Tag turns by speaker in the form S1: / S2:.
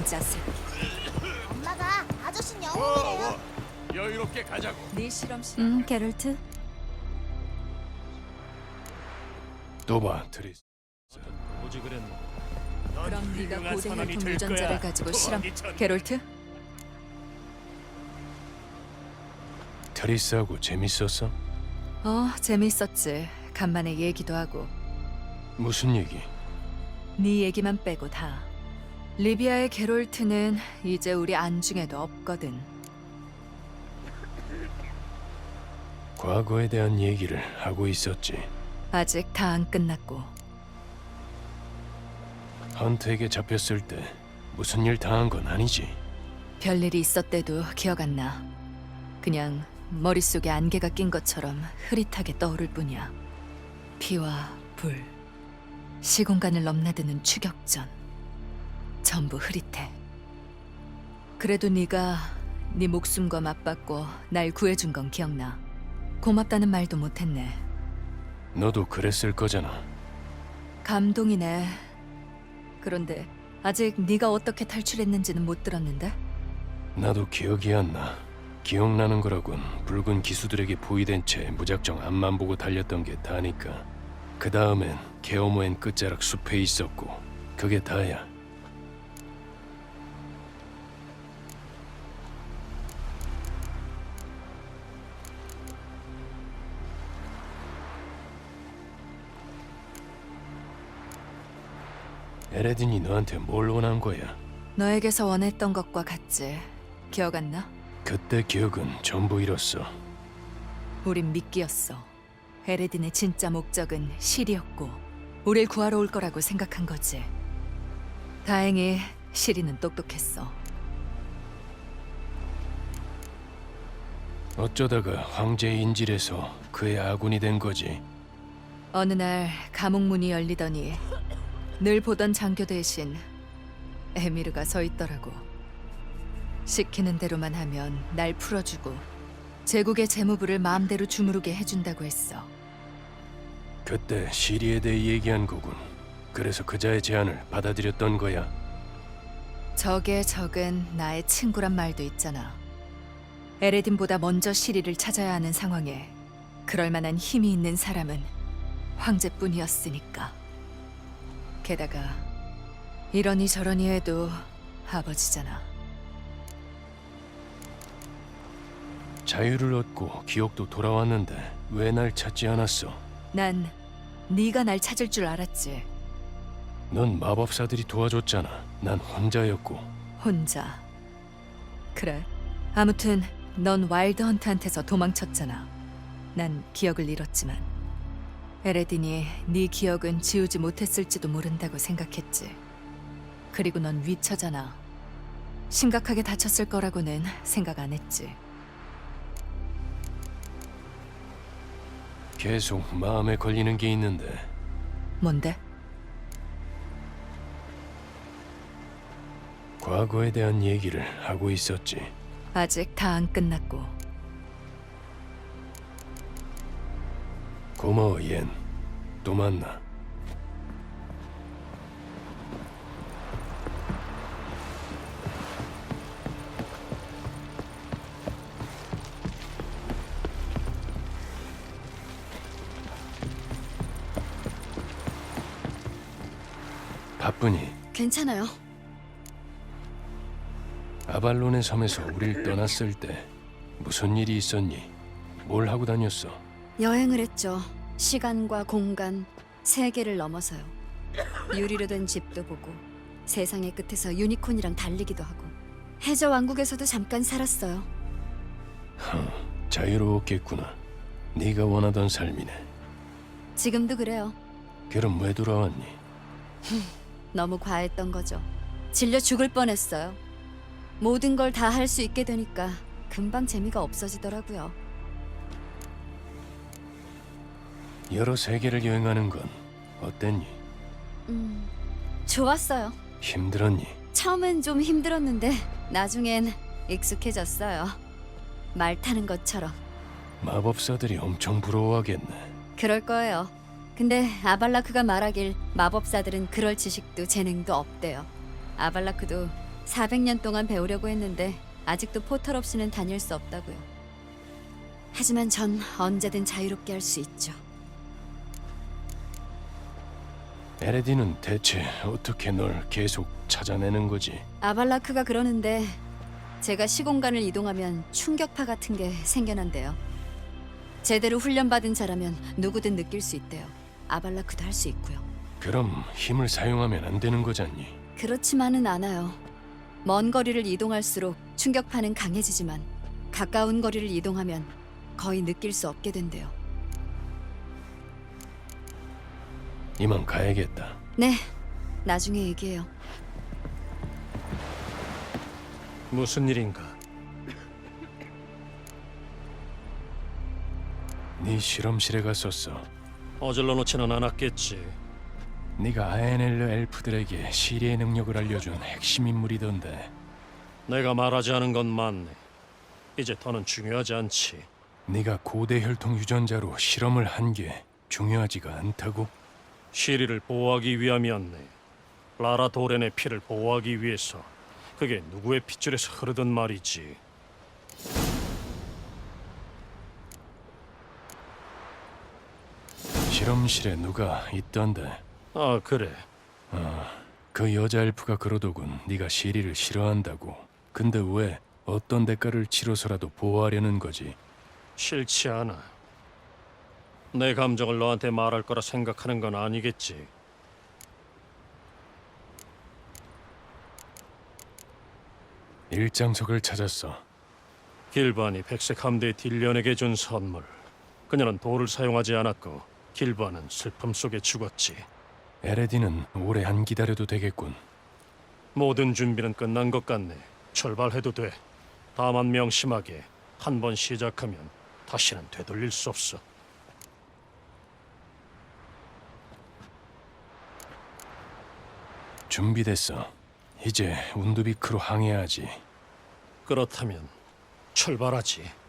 S1: 자식.
S2: 엄마가 아저씨는 영웅이래요.
S3: 여유롭게 가자고.
S1: 네 실험실. 게롤트.
S3: 또봐 트리스.
S4: 오지글은
S1: 그럼 네가
S4: 훌륭한
S1: 고대
S4: 선원이
S1: 혈통
S4: 될
S1: 유전자를
S4: 거야.
S1: 가지고 실험.
S4: 도망이 전-
S1: 게롤트?
S3: 트리스하고 재밌었어?
S1: 재밌었지. 간만에 얘기도 하고.
S3: 무슨 얘기?
S1: 네 얘기만 빼고 다. 리비아의 게롤트는 이제 우리 안중에도 없거든.
S3: 과거에 대한 얘기를 하고 있었지.
S1: 아직 다 안 끝났고.
S3: 헌트에게 잡혔을 때 무슨 일 당한 건 아니지?
S1: 별일이 있었대도 기억 안 나. 그냥 머릿속에 안개가 낀 것처럼 흐릿하게 떠오를 뿐이야. 피와 불, 시공간을 넘나드는 추격전. 전부 흐릿해. 그래도 네가 네 목숨과 맞받고 날 구해준 건 기억나. 고맙다는 말도 못했네.
S3: 너도 그랬을 거잖아.
S1: 감동이네. 그런데 아직 네가 어떻게 탈출했는지는 못 들었는데?
S3: 나도 기억이 안 나. 기억나는 거라곤 붉은 기수들에게 포위된 채 무작정 앞만 보고 달렸던 게 다니까. 그 다음엔 케어모엔 끝자락 숲에 있었고 그게 다야. 에레딘이 너한테 뭘 원한 거야?
S1: 너에게서 원했던 것과 같지. 기억 안 나?
S3: 그때 기억은 전부 잃었어.
S1: 우린 미끼였어. 에레딘의 진짜 목적은 실이었고 우릴 구하러 올 거라고 생각한 거지. 다행히 시리는 똑똑했어.
S3: 어쩌다가 황제의 인질에서 그의 아군이 된 거지.
S1: 어느 날 감옥 문이 열리더니 늘 보던 장교 대신 에미르가 서 있더라고. 시키는 대로만 하면 날 풀어주고 제국의 재무부를 마음대로 주무르게 해준다고 했어.
S3: 그때 시리에 대해 얘기한 거군. 그래서 그자의 제안을 받아들였던 거야.
S1: 적의 적은 나의 친구란 말도 있잖아. 에레딘보다 먼저 시리를 찾아야 하는 상황에 그럴 만한 힘이 있는 사람은 황제뿐이었으니까. 게다가 이러니 저러니 해도 아버지잖아.
S3: 자유를 얻고 기억도 돌아왔는데 왜 날 찾지 않았어?
S1: 난 네가 날 찾을 줄 알았지.
S3: 넌 마법사들이 도와줬잖아. 난 혼자였고.
S1: 혼자. 그래. 아무튼 넌 와일드 헌트한테서 도망쳤잖아. 난 기억을 잃었지만 에레딘이 네 기억은 지우지 못했을지도 모른다고 생각했지. 그리고 넌 위쳐잖아. 심각하게 다쳤을 거라고는 생각 안 했지.
S3: 계속 마음에 걸리는 게 있는데
S1: 뭔데?
S3: 과거에 대한 얘기를 하고 있었지.
S1: 아직 다 안 끝났고.
S3: 고마워, 옌. 또 만나. 바쁘니?
S2: 괜찮아요.
S3: 아발론의 섬에서 우릴 떠났을 때 무슨 일이 있었니? 뭘 하고 다녔어?
S2: 여행을 했죠. 시간과 공간, 세계를 넘어서요. 유리로 된 집도 보고 세상의 끝에서 유니콘이랑 달리기도 하고 해저 왕국에서도 잠깐 살았어요.
S3: 자유로웠겠구나. 네가 원하던 삶이네.
S2: 지금도 그래요.
S3: 그럼 왜 돌아왔니?
S2: 너무 과했던 거죠. 질려 죽을 뻔했어요. 모든 걸 다 할 수 있게 되니까 금방 재미가 없어지더라고요.
S3: 여러 세계를 여행하는 건 어땠니?
S2: 좋았어요.
S3: 힘들었니?
S2: 처음엔 좀 힘들었는데 나중엔 익숙해졌어요. 말 타는 것처럼.
S3: 마법사들이 엄청 부러워하겠네.
S2: 그럴 거예요. 근데 아발라크가 말하길 마법사들은 그럴 지식도 재능도 없대요. 아발라크도 400년 동안 배우려고 했는데 아직도 포털 없이는 다닐 수 없다고요. 하지만 전 언제든 자유롭게 할 수 있죠.
S3: 에레디는 대체 어떻게 널 계속 찾아내는 거지?
S2: 아발라크가 그러는데 제가 시공간을 이동하면 충격파 같은 게 생겨난대요. 제대로 훈련받은 자라면 누구든 느낄 수 있대요. 아발라크도 할 수 있고요.
S3: 그럼 힘을 사용하면 안 되는 거잖니.
S2: 그렇지만은 않아요. 먼 거리를 이동할수록 충격파는 강해지지만 가까운 거리를 이동하면 거의 느낄 수 없게 된대요.
S3: 이만 가야겠다.
S2: 네, 나중에 얘기해요.
S4: 무슨 일인가?
S3: 네 실험실에 갔었어.
S4: 어질러 놓지는 않았겠지.
S3: 네가 아에넬르 엘프들에게 시리의 능력을 알려준 핵심 인물이던데.
S4: 내가 말하지 않은 건 맞네. 이제 더는 중요하지 않지.
S3: 네가 고대 혈통 유전자로 실험을 한 게 중요하지가 않다고?
S4: 시리를 보호하기 위함이었네. 라라 도렌의 피를 보호하기 위해서. 그게 누구의 핏줄에서 흐르든 말이지.
S3: 실험실에 누가 있던데.
S4: 아, 그래.
S3: 그 여자 엘프가 그러더군. 네가 시리를 싫어한다고. 근데 왜 어떤 대가를 치러서라도 보호하려는 거지?
S4: 싫지 않아. 내 감정을 너한테 말할 거라 생각하는 건 아니겠지.
S3: 일장석을 찾았어.
S4: 길반이 백색 함대 딜련에게 준 선물. 그녀는 돌을 사용하지 않았고 길반은 슬픔 속에 죽었지.
S3: 에레디는 오래 안 기다려도 되겠군.
S4: 모든 준비는 끝난 것 같네. 출발해도 돼. 다만 명심하게 한 번 시작하면 다시는 되돌릴 수 없어.
S3: 준비됐어. 이제 운두비크로 항해하지.
S4: 그렇다면 출발하지.